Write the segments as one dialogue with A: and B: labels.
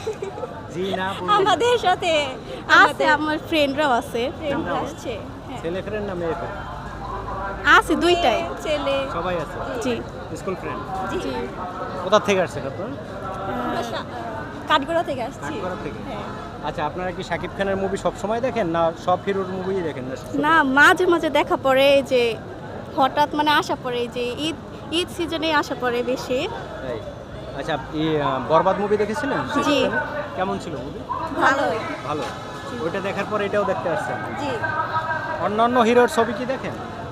A: জি না
B: আমাদের সাথে
C: আছে, আমার ফ্রেন্ডরাও আছে।
B: ফ্রেন্ড আসছে। হ্যাঁ।
A: ছেলে ফ্রেন্ড না মেয়ে ফ্রেন্ড?
C: আছে দুইটাই।
B: মেয়ে, ছেলে।
A: সবাই আছে
C: জি
A: স্কুল ফ্রেন্ড।
B: জি।
A: কোথা থেকে আসছেন আপনারা?
B: আমরা কাঠগোড়া থেকে আসছি।
A: কাঠগড়া থেকে।
B: হ্যাঁ।
A: আচ্ছা, আপনারা কি শাকিব খানের মুভি সব সময় দেখেন না সব হিরোর মুভিই দেখেন না?
C: না, মাঝে মাঝে দেখা পড়ে, এই যে হঠাৎ মানে আসা পড়ে, এই যে ঈদ ঈদ সিজনে আসা পড়ে বেশি।
A: তাই। আচ্ছা, বরবাদ মুভি দেখেছিলেন?
C: জি।
A: কেমন ছিল মুভি?
B: ভালোই।
A: ভালো। ওইটা দেখার পর এটাও দেখতে আসছেন?
B: জি।
A: অন্যান্য হিরোর ছবি কি দেখেন?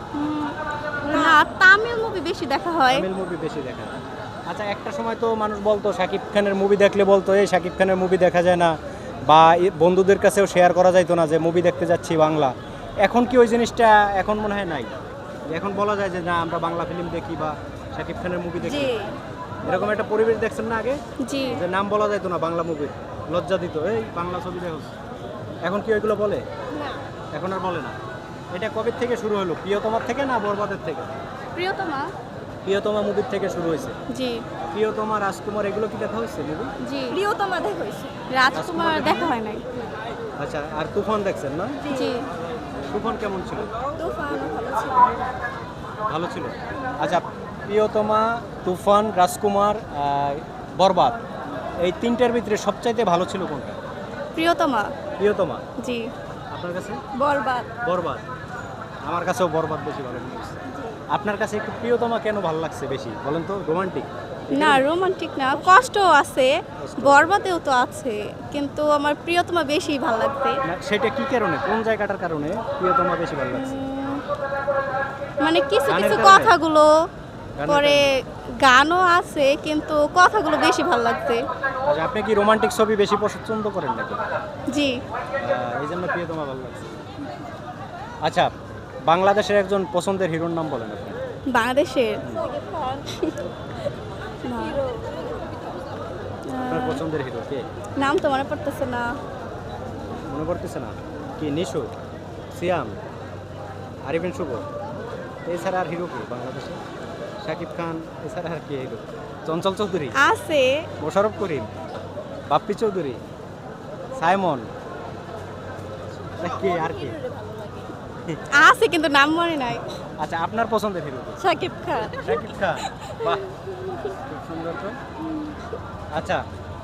C: না, তামিল মুভি বেশি দেখা হয়।
A: তামিল মুভি বেশি দেখেন। আচ্ছা, একটা সময় তো মানুষ বলতো শাকিব খানের মুভি দেখলে বলতো এই শাকিব খানের মুভি দেখা যায় না, বা বন্ধুদের কাছেও শেয়ার করা যাইতো না যে মুভি দেখতে যাচ্ছি বাংলা। এখন কি ওই জিনিসটা এখন মনে হয় নাই? এখন বলা যায় যে না আমরা বাংলা ফিল্ম দেখি বা শাকিব খানের মুভি দেখি,
B: জি।
A: এরকম একটা পরিবেশ দেখছেন না আগে?
C: জি।
A: যে নাম বলা যাইতো না বাংলা মুভির, লজ্জা দিত এই বাংলা ছবি দেখো। এখন কি ওইগুলো বলে?
B: না।
A: এখন আর বলে না। এটা কবে থেকে শুরু হলো? প্রিয়তমার থেকে না বরবাদের থেকে?
C: প্রিয়তমা।
A: প্রিয়তমা মুভির থেকে শুরু হয়েছে।
C: জি।
A: প্রিয়তমা, রাজকুমার এগুলো কি দেখা হয়েছে মুভি?
C: জি।
B: প্রিয়তমা দেখা হয়েছে।
C: রাজকুমার দেখা হয় নাই।
A: আচ্ছা, আর তুফান দেখছেন না?
C: জি।
A: তুফান কেমন ছিল?
B: তুফান ভালো ছিল।
A: ভালো ছিল। আচ্ছা, প্রিয়তমা, তুফান, রাজকুমার, বরবাদ, এই তিনটার ভিতরে সবচাইতে ভালো ছিল কোনটা?
C: প্রিয়তমা।
A: প্রিয়তমা।
C: জি।
A: আপনার কাছে?
B: বরবাদ।
A: বরবাদ। আমার কাছেও বরবাদ বেশি ভালো লেগেছে। আপনার কাছে একটু প্রিয়তমা কেন ভালো লাগছে বেশি বলেন তো? রোমান্টিক?
C: না, রোমান্টিক না, কষ্ট আছে, বরবাদেও তো আছে, কিন্তু আমার প্রিয়তমা বেশি ভালো লাগছে।
A: না, সেটা কি কারণে, কোন জায়গাটার কারণে প্রিয়তমা বেশি ভালো লাগছে?
C: মানে কিছু
A: গানের
C: কিছু
A: কারণে?
C: কথাগুলো,
A: গানের
C: পরে গানও আছে, কিন্তু কথাগুলো বেশি ভালো লাগছে।
A: আচ্ছা, আপনি কি রোমান্টিক ছবি বেশি পছন্দ করেন নাকি?
C: জি।
A: এই জন্য প্রিয়তমা ভালো লাগছে। আচ্ছা, বাংলাদেশের একজন পছন্দের হিরোর নাম বলেন আপনি।
C: বাংলাদেশের
B: সাকিব খান।
C: না,
B: হিরো।
A: আপনার পছন্দের হিরো কে?
C: নাম তো মনে পড়তেছে না।
A: মনে পড়তেছে না? কি নিশু, সিয়াম, আরিফিন শুভ, এছাড়া আর হিরো কি বাংলাদেশে? শাকিব খান এছাড়া আর কি হিরো? চঞ্চল চৌধুরী,
C: আছে।
A: মোশাররফ করিম, বাপ্পি চৌধুরী, সাইমন, কে আর কি?
C: আছে, কিন্তু নাম মনে নাই।
A: আচ্ছা, আপনার পছন্দের হিরো কে?
B: সাকিব খান।
A: শাকিব খান। বাহ, খুব সুন্দর তো। আচ্ছা,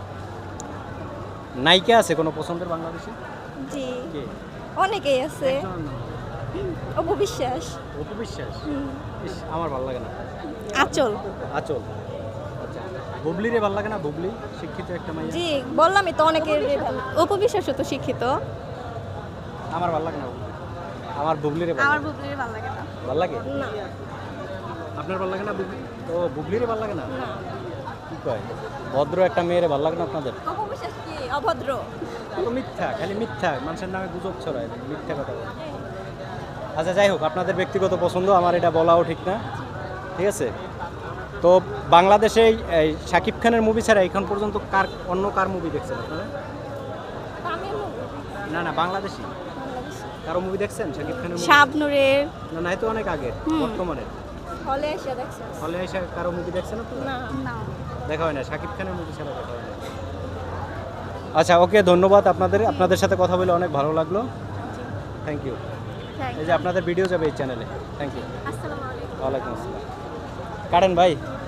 A: নায়িকা আছে কোনো পছন্দের বাংলাদেশে?
B: জি।
A: কে?
B: অনেকেই আছে।
A: একজনের নাম।
B: অপু বিশ্বাস।
A: অপু বিশ্বাস? ইস, আমার ভালো লাগে না।
C: আচল।
A: আচল। আচ্ছা, বুবলিরে ভালো লাগে না? বুবলি শিক্ষিত একটা মাইয়া।
B: জি, বললামই তো অনেকের ভালো।
C: উপবিশ্বাসও তো শিক্ষিত।
A: আমার ভালো লাগে না বুবলি। আমার বুবলিরে ভালো
C: আমার
A: লাগে।
C: বুবলির ভালো লাগে না।
A: ভালো লাগে?
B: না।
A: আপনার ভালো লাগে না বুবলি? ও, বুবলিরে ভালো লাগে না?
B: না।
A: কি কয়? ভদ্র একটা মেয়েরে ভালো লাগে না আপনাদের?
B: অপু বিশ্বাস কি অভদ্র?
A: তো মিথ্যা, খালি মিথ্যা, মানুষের নামে গুজব ছড়ায়, মিথ্যা কথা বলে। আচ্ছা, যাই হোক, আপনাদের ব্যক্তিগত পছন্দ, আমার এটা বলাও ঠিক না, ঠিক আছে? তো বাংলাদেশে এই শাকিব খানের মুভি ছাড়া এখন পর্যন্ত অন্য কার মুভি দেখছেন আপনারা?
B: তামিল মুভি।
A: না না, বাংলাদেশি
B: বাংলাদেশি।
A: কারো মুভি দেখছেন শাকিব খানের movie?
C: শাবনূরের।
A: না না, এই তো অনেক আগে, বর্তমানে
B: হলে এসে দেখছেন?
A: হলে এসে কারো মুভি দেখছেন আপনারা?
B: না।
C: না।
A: দেখা হয় না, শাকিব খানের মুভি ছাড়া দেখা হয় না। আচ্ছা, ওকে, ধন্যবাদ আপনাদের সাথে কথা বলে অনেক ভালো লাগলো। Thank you. এই যে আপনাদের ভিডিও যাবে এই চ্যানেলে। Thank you.
C: আসসালামু আলাইকুম।
A: ওয়ালাইকুম আসসালাম। কারেন ভাই।